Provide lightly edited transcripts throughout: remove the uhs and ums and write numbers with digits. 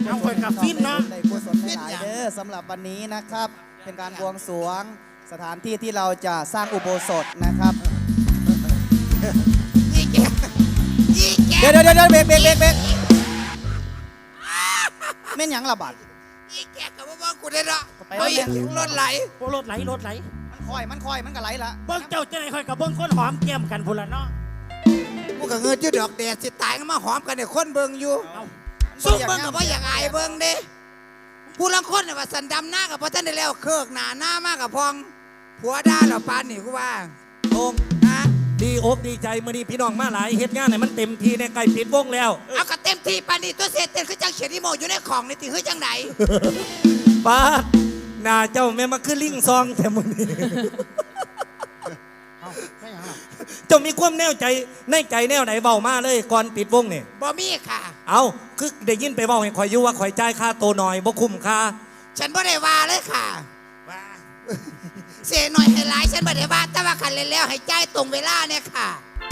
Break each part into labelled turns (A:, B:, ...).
A: เอาคอยกับฟินเนาะ
B: ในกุศลหลายเด้อสำหรับวันนี้นะครับ เป็นการบวงสรวงสถานที่ที่เราจะสร้างอุโบสถนะครับเดี๋ยวเบรกเม่นหยังระบาด
C: อีแกกับว่ากูได้ละไปรถไหล
A: รถไหล
B: มันคอยมันก็ไหลละ
A: เบิ้งเจ้าจะไหนคอยกับเบิ้งคนหอมแก้มกันพุ่นละเนาะ
C: กูกับเงินยืดดอกแดดสิตายก็มาหอมกันเนี่ยคนเบิ่งอยู่สู้เบิ่งกับว่าอย่างไอเบิ่งเด้ผู้ลังคนเนี่ยว่าสันดำหน้ากับพ่อท่านได้แล้วเคิกหน้ามากกับพองผัวด่าเหล่าปานนี่กูว่า
D: โองดีอกดีใจมื่อนี้พี่น้องมาหลายเฮ็ดงานให้มันเต็มทีในไก่ปิดวงแล้ว
C: เอากระเต็มที่ปานนี่ตัวเศษเต็มคือจังเขียนที่โมอยู่ในของในตีคือจังไหน
D: ป้าหน้าเจ้าแม่มาคือลิงซองแต่มื่อนี้เจ้ามีความแน่ใจในใจแนวไหนเบามาเลยก่อนปิดวงเนี่ย
C: บ่มีค่ะ
D: เอาคือได้ยินไปเบาให้ข่อยอยู่ว่าข่อยจ่ายค่าโตหน่อยบ่คุ้มค่า
C: ฉันบ่ได้ว่าเลยค่ะว่าเสียหน่อยให้หลายฉันบ่ได้ว่าแต่ว่าคันเล่นแล้วให้จ่ายตรงเวลาเนี่ยค่ะ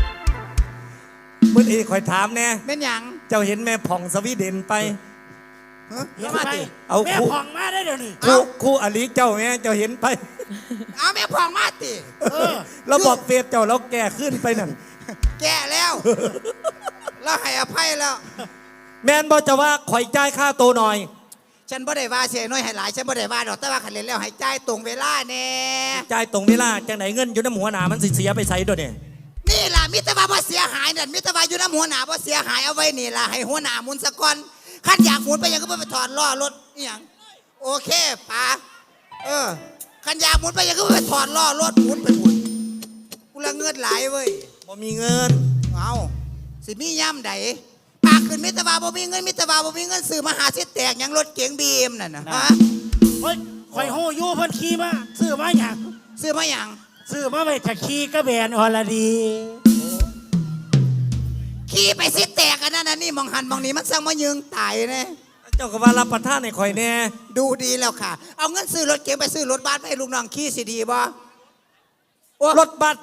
D: มื่อนี้ข่อยถามแน่
C: เป็นหยัง
D: เจ้าเห็นแม่ผ่องสวีเดนไป
A: มาดิเอาแม่ผ่องมาได้เดี๋ยวนี้
D: คู่อลิเจ้าแม่เจ้าเห็นไป
C: เอาแม่ผ่องมาติ
D: เราบอกเฟซเจ้าเราแก่ขึ้นไปนั่น
C: แก่แล้วเราให้อภัยแล้ว
D: แม่นบอกจะว่าข่อยจ่ายค่าโตหน่อย
C: ฉันบ่ได้ว่าเสียน้อยให้หลายฉันบ่ได้ว่าดอกแต่ว่าคันเล่นแล้วให้จ่ายตรงเวลาแน่
D: จ่ายตรงเวลาจังไหนเงินอยู่น้ำหัวหนามันสิเสียไปใส่ด้วยเนี่ย
C: นี่ล่ะมิตรว่าบ่เสียหายนั่นมิตรว่าอยู่น้ำหัวหนาบ่เสียหายเอาไว้นี่ล่ะให้หัวหน้ามุนสะก่อนคันอยากหมุนไปยังก็ไปถอดล้อรถนี่หยังโอเคป๋าคันอยากหมุนไปยังก็ไปถอดล้อรถหมุนไปหมุนกูละเงินหลายเว้ย
D: บ่มีเงิน
C: เอาสิมีย่ำใดปากขึ้นมิตรว่าบ่มีเงินมิตรว่าบ่มีเงินซื้อมาหาสิแตกยังรถเก๋งบีเอ็มนั่นนะฮะ
A: เฮ้ยคอยโหยู่เพิ่นขี่มาซื้อมาอย่าง
C: ซื้อมาอย่าง
A: ซื้อมาไปจะขี่กระแบนอรดี
C: ขี่ไปสิแตกกันนั่นนี่มองหันมองนี้มันสั่งมายึงตายแน่
D: เจ้าก็ว่ารับประทานในข่อยแน่
C: ดูดีแล้วค่ะเอาเงินซื้อรถเก๋งไปซื้อรถบัสให้ลูกน้องขี่สิดีบ่
D: รถบัส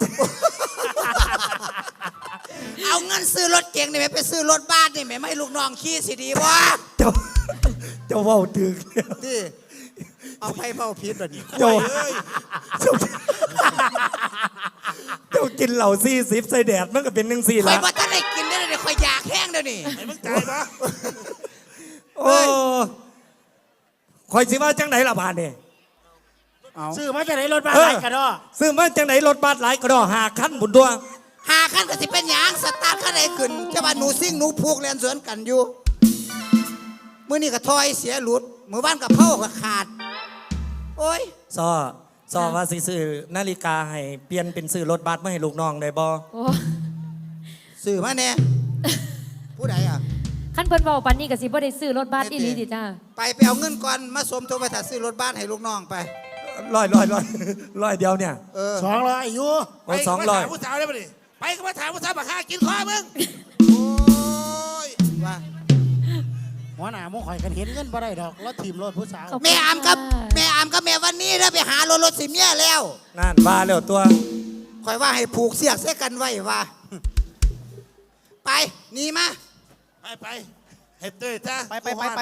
C: เอาเงินซื้อรถเก๋งนี่ไปซื้อรถบัสนี่ไม่ให้ลูกน้องขี่สิดีบ่
D: เจ้าเว้าถึง
C: ที่เอาไปเมาพิษแบบนี้
D: เจ้ากินเหล่า40ใส่แดดมันก็เป็น1-4ละ
C: ข่อยว่าถ้าได้กินได้เลยข่อยอยากแห้งเดี๋ยวนี้
A: ไอ้มึงใจปะ
D: โอ้ข่อยสิว่าจังไหนล่ะบาดนี่
A: ซื้อมาจากไหนรถบัสหลายกระดอ
D: ซื้อมาจากไหนรถบัสหลายกระดอ5 คันบุญตัว
C: 5 คันก็สิเป็นหยังสตาร์ทคันไหนขึ้นจะว่าหนูซิ่งหนูพูกเรียนสวนกันอยู่มื้อนี้ก็ถอยเสียหลุดมื้อบ้านกับเผาก็ขาดโอ้ย
D: ซอว่าสิซื้อนาฬิกาให้เปลี่ยนเป็นซื้อรถบัสมาให้ลูกน้องได้บ่
C: ซื้อมาแน่ผู้ใดอ่ะ
E: ขั้นเพิ่นเว้าปานนี้ก็สิบ่ได้ซื้อรถบัสอีหลีติจ้า
C: ไปเอาเงินก่อนมาสมทบไปถ้าซื้อรถบัสให้ลูกน้องไป
D: ร้อยเดียวเนี่ย
A: 200อยู่
D: ไป200
A: ผู้สาวได้ป่ะดิไปก็มาถามผู้สาวมาฆ่ากินข้อมึง
C: โอ้ยว่า
A: หัวหน้ามุ้งข่อยกันเห็นเงินบ่ได้ดอกรถทีมรถผู้สาว
C: แม่อามกับแม่วันนี้แล้วไปหารถสิเมียแล้ว
D: นั่นว่าแล้วตัว
C: ข่อยว่าให้ผูกเสียกเสียกันไว้ว่าไปนี่มา
A: ไปเฮ็ดด้วยจ้า
B: ไป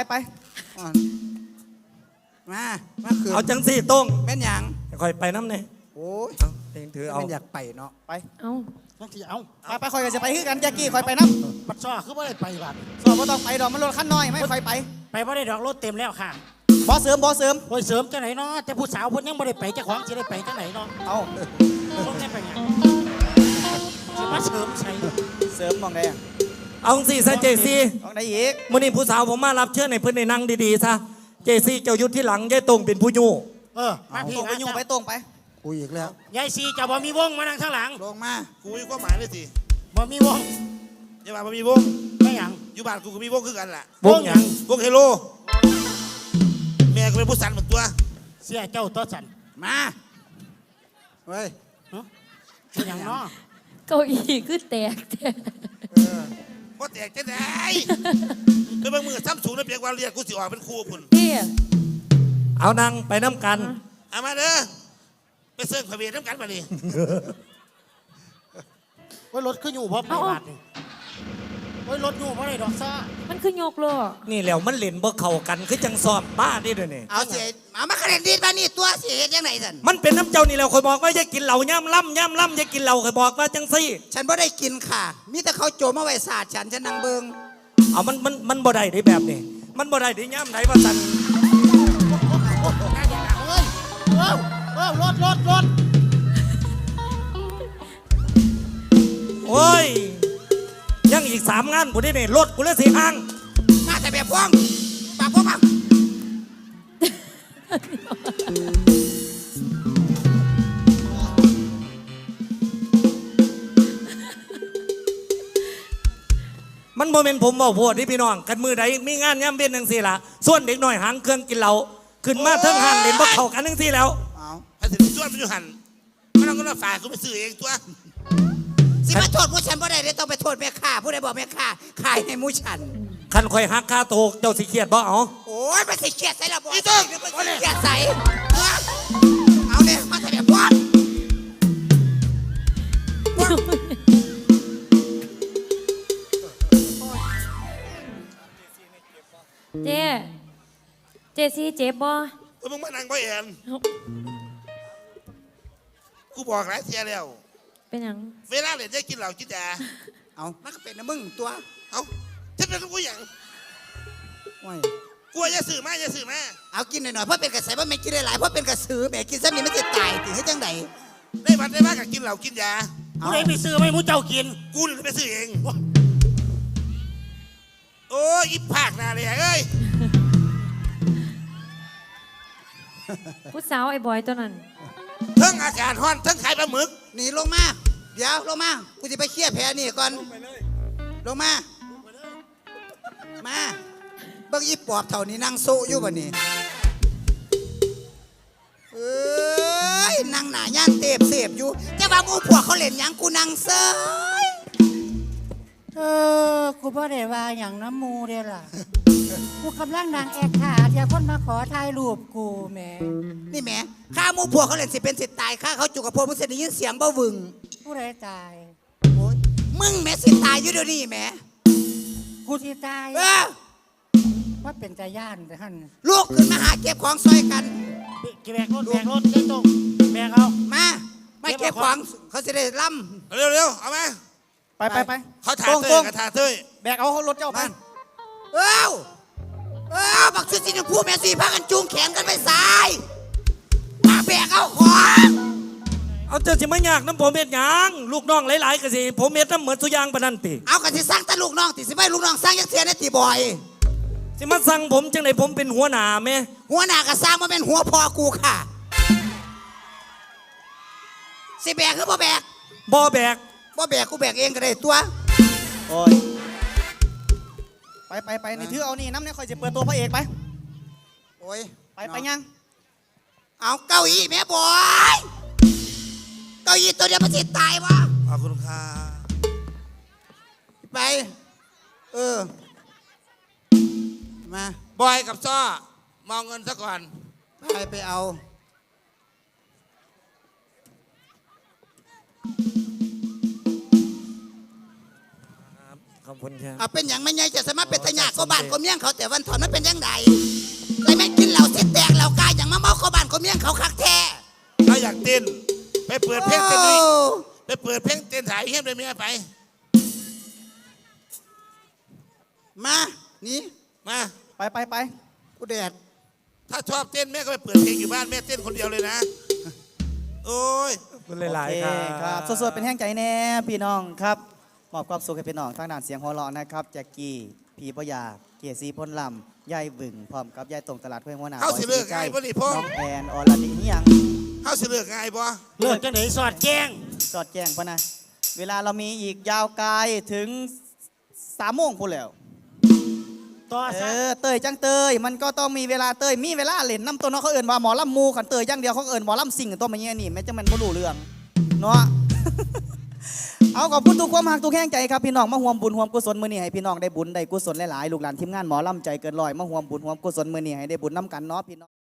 C: มาคืน
D: เอาจังสี่ต้ง
C: แม่นหยัง
D: ค่อยไปน้ำเนี่ย
C: โอ้ย
D: เองถือเอา
C: อยากไปเนาะ
E: ไปเอา
B: ไปคอยกันจะไปคือกันแจ็คกี้คอยไปน้
A: ำปัดซ้อคือไม่ได้ไปบัด
B: ซ้อบ่ต้องไปดอกมันรถคันน้อยไม่คอยไป
A: ไม่ได้ดอกรถเต็มแล้วค่ะ
B: บอเสริมโ
A: อ้ยเสริมจังไหนเนาะแต่ผู้สาวคนยังไม่ได้ไปเจ้าของจะได้ไปจังไหนเนาะ
B: เอา
A: ต้องได้ไปไงจะมาเสริ
B: มมองได้
D: เอาสิซะเจซี่
B: มองได้อีก
D: มื้อนี้ผู้สาวผมมารับเชิญในเพื่อนในนั่งดีๆซะเจซี่เจ้ายุทธที่หลังยายตรงเป็นผู้ยู่
A: มาพี่
B: ไปยู่ไปตรงไป
C: คุยอีกแล้ว
A: ยายซีจะบ่มีวงมานั่งข้างหลัง
C: ลงมา
A: คุยก็หมายเลยสิบ่มีวงอย่าบ่มีวงไม่หยังอยู่บ้านกูก็มีวงคือกันแหละ
D: วงหยัง
A: วงเฮโลแม่ก็เป็นผู้สันเหมือนตัวเสียเจ้าตัวสัน
C: มาเฮ้ย
A: เป็นอย่างน้อ
E: เก้าอี้คือแตก
A: ก็แตกจะได้เป็นบางมือซ้ำสูงแล้วเพียงวันเรียกกูสิออกเป็นครูคุณ
D: เอานั่งไปน้ำกัน
A: เอามาเด้อไปเสิร์ฟขมิ้นน้ำกันมาดิว่ารถขึ้นอยู่เพราะไปบาทนี่
F: โอ้ยรถอยู่เพราะอะไรดอกซ่า
E: มันคือยกล้อ
D: นี่แล้วมันเล่นบ่เข้ากันคือจังซ้อมบ้าดิเด้อนี่
C: เอาเสียเอามาคะแนนดีดมานี่ตัวเสียเฮ็ดยังไงสัน
D: มันเป็นน้ำเจ้านี่แล้วคอยบอกว่าอย่ากินเหล้าย่ำล่ำอย่ากินเหล้าคอยบอกว่าจังซี่
C: ฉันบ่ได้กินค่ะมีแต่เขาโจมมาไว้ศาสตร์ฉันนั่งเบิง
D: เอามันบ่ได้ได้แบบนี้มันบ่ได้ได้ย่ำไหนว่าสัน
F: เฮ้ยรถ
D: โอ้ยยังอีก3 งานกูได้เนี่ยรถกูเลยสิห่าง
C: มาแต่แบบพ่วงปากพ่วงมา
D: มันโมเมนต์ผมบอกพวดที่พี่น้องกันมือใดมีงานย่ำเวียนจังซี่ล่ะส่วนเด็กหน่อยหางเครื่องกินเหล้าขึ้นมาเทิงหันเล่นบ่เข้ากันจังซี่แล้ว
C: เอา
A: ถ้าสิส่วนมันอยู่หันมันต้องก็มาฝากกูไปซื้อเองตัว
C: สิมาโทษผู้ฉันบ่ได้เลยต้องไปโทษแม่ค้าผู้ใดบอกแม่ค้าขายให้หมูฉัน
D: คันคอยหักค่าโตวเจ้าสิเครียดบ่เอา
C: โอ้ยมันสิเกลียดใส่ละบ่อีตึ้งมันสิเกลียดใส่เอาเนี่ยมาแต่แบบพ่วง
E: เจ๊เจซี่เจ็บบ่
A: มึงมานั่งบ่แอนกูบอกหลายเทียแล้ว
E: เป็นหยัง
A: เวลาเล่นจะกินเหล้ากินยา
C: เอามันก็เป็นนะมึงตัว
A: เอ้าฉันเป็นกูอย่าง
C: โอ้ย
A: กลัวอย่าสื่อมาอย่าสื่อมา
C: เอากินหน่อยๆเพราะเป็นกระแสเพราะไม่กินได้หลายเพราะเป็นกระสือแหม่กินซ้ำนี่มันจะตายถึงให้จังได
A: ได้บัตรได้บ้ากับกินเหล้ากินยา
F: ผู้ใดไปซื้อไม่มู้เจ้ากิน
A: กูเลยไปซื้อเองโอ้ยอีภาคหนาเลยเอ้ย
E: ผู้สาวไอ้บอยตัวนั้น
A: เทั้งอากาศร้อนเทั้งขายปลาหมึก
C: หนีลงมาเดี๋ยวลงมากูจะไปเคลียร์แผลนี่ก่อนลงมามาเบิ่งอีปอบเท่านี้นั่งโซอยู่บ่นี่เอ้ยนั่งหนาย่านเตบเสพอยู่แต่ว่าหมูพวกเขาเล่นหยังกูนั่งเซย
F: กูบ่ได้ว่าอย่างน้ำมูเด้ล่ะ กูกำลังนางแอกขาเดี๋ยวคนมาขอถ่ายรูปกูแหม
C: นี่แหม่ข้าหมูพวกเขาเล่นสิเป็นสิตายข้าเขาจุกกระโปรงมึงเสียได้ยินเสียงบ่วึง
F: ผู้ใดตาย
C: โอ๊ยมึงแหม่สิตายอยู่เดี๋ยวนี้แหม่
F: กูที่ตาย
C: เออ
F: ว่าเป็นใจย่านแต่ท่าน
C: ลูกขึ้นมาหาเก็บของซอยกัน
F: แบกรถได้ตรงแบกเอา
C: มาไม่เก็บของเขาจะได้ล่
A: เร็วๆเอามา
B: ไป
A: เขาถ่า
B: ตรง
A: เต้
B: ตร
A: ย
B: ง
A: กับถ่าเต้ย
B: แบกเอารถเจ้า
C: ำ
B: ไป
C: มันเอ้าบักชุดสีชมพูแม่สีพากันจูงแขนกันไปสายมาแบกเอาของ
D: เอาเจ้าสิมายากน้ำผมเม็ดหยังลูกน้องหลายๆก็สิผมเม็ดน้ำเหมือนสุยางปานนันติ
C: เอากันที่สร้างแต่ลูกน้องติสิไม่ลูกน้องสร้างยักษ์เทียนในตีบอย
D: สิมาสั่งผมจังไหนผมเป็นหัวหน้าแม่
C: หัวหน้าก็สร้างมาเป็นหัวพอกูค่ะสิแบกคือบ่แบก
D: บ่แบก
C: บ่แบกกูแบกเองก็ได้ตัว
B: โอ้ยไปในถือเอานี่น้ำเนี่ยคอยจะเปิดตัวพระเอกไป
C: โอ้ย
B: ไปยัง
C: เอาเก้าอี้แม่บอยเก้าอี้ตัวเดียวมันสิตายวะ
A: ขอบคุณค่ะ
C: ไปเออมา
A: บอยกับซ้อมองเงินซะก่อน
C: ไปเอา
D: ขอบคุณครับ
C: เอาเป็นอย่างไม่ใหญ่จะสามารถเป็นทายาทก็บ้านก็เมี่ยงเขาแต่วันถอนมันเป็นยังไงเลยแม่งกินเหล้าเส้นแตกเหล้ากายอย่างมาเมาก็บ้านก็เมี่ยงเขาคักแท้
A: ถ้าอยากเต้นไปเปิดเพลงเต้นนี่
C: โอ้
A: ไปเปิดเพลงเต้นถ่ายเฮี้ยมเลยเมียไป
C: มานี่
A: มา
B: ไป
C: กูแดด
A: ถ้าชอบเต้นแม่ก็ไปเปิดเพลงอยู่บ้านแม่เต้นคนเดียวเลยนะ โอ้ย
D: ขอบคุณหลาย
B: โอ
D: ๆ
B: เค
D: ค
B: ค
D: รั
B: รั
D: บบ
B: สดๆเป็นแห้งใจแน่พี่น้องครับมอบความสุขให้พี่น้องทางด้านเสียงหัวเราะนะครับแจ็คกี้พี่ปยาเกียรติศรีพ้นลำยายบึงพร้อมกับยายตรงตลาดห้วยหัวหน้า
A: เข้าสิเลิกไงบ่นี่พ่อ
B: น้องแอนอรดีนี่ยัง
A: เฮาสิเลือกไงบ่
F: เลิกจังไหนสอดแจ้ง
B: สอดแจ้งพะนะเวลาเรามีอีกยาวไกลถึง3 โมงพูดแล้ว
F: ต่อซะ
B: เตยจังเตยมันก็ต้องมีเวลาเตยมีเวลาเล่นน้ำตัวเนาะเขาเอิ่นว่าหมอลำมูขันเตยจังเดียวเขาเอิ่นหมอลำสิ่งตัวมันเงี้ยนี่แม้จะมันบ่รู้เรื่องเนาะ เอาขอบคุณทุกความหักทุกแห่งใจครับพี่น้องมาห่วมบุญห่วมกุศลมื้อนี้ให้พี่น้องได้บุญได้กุศลหลายๆลูกหลานทีมงานหมอลำใจเกินร้อยมาห่วมบุญห่วมกุศลมื้อนี้ให้ได้บุญน้ำกันเนาะพี่น้อง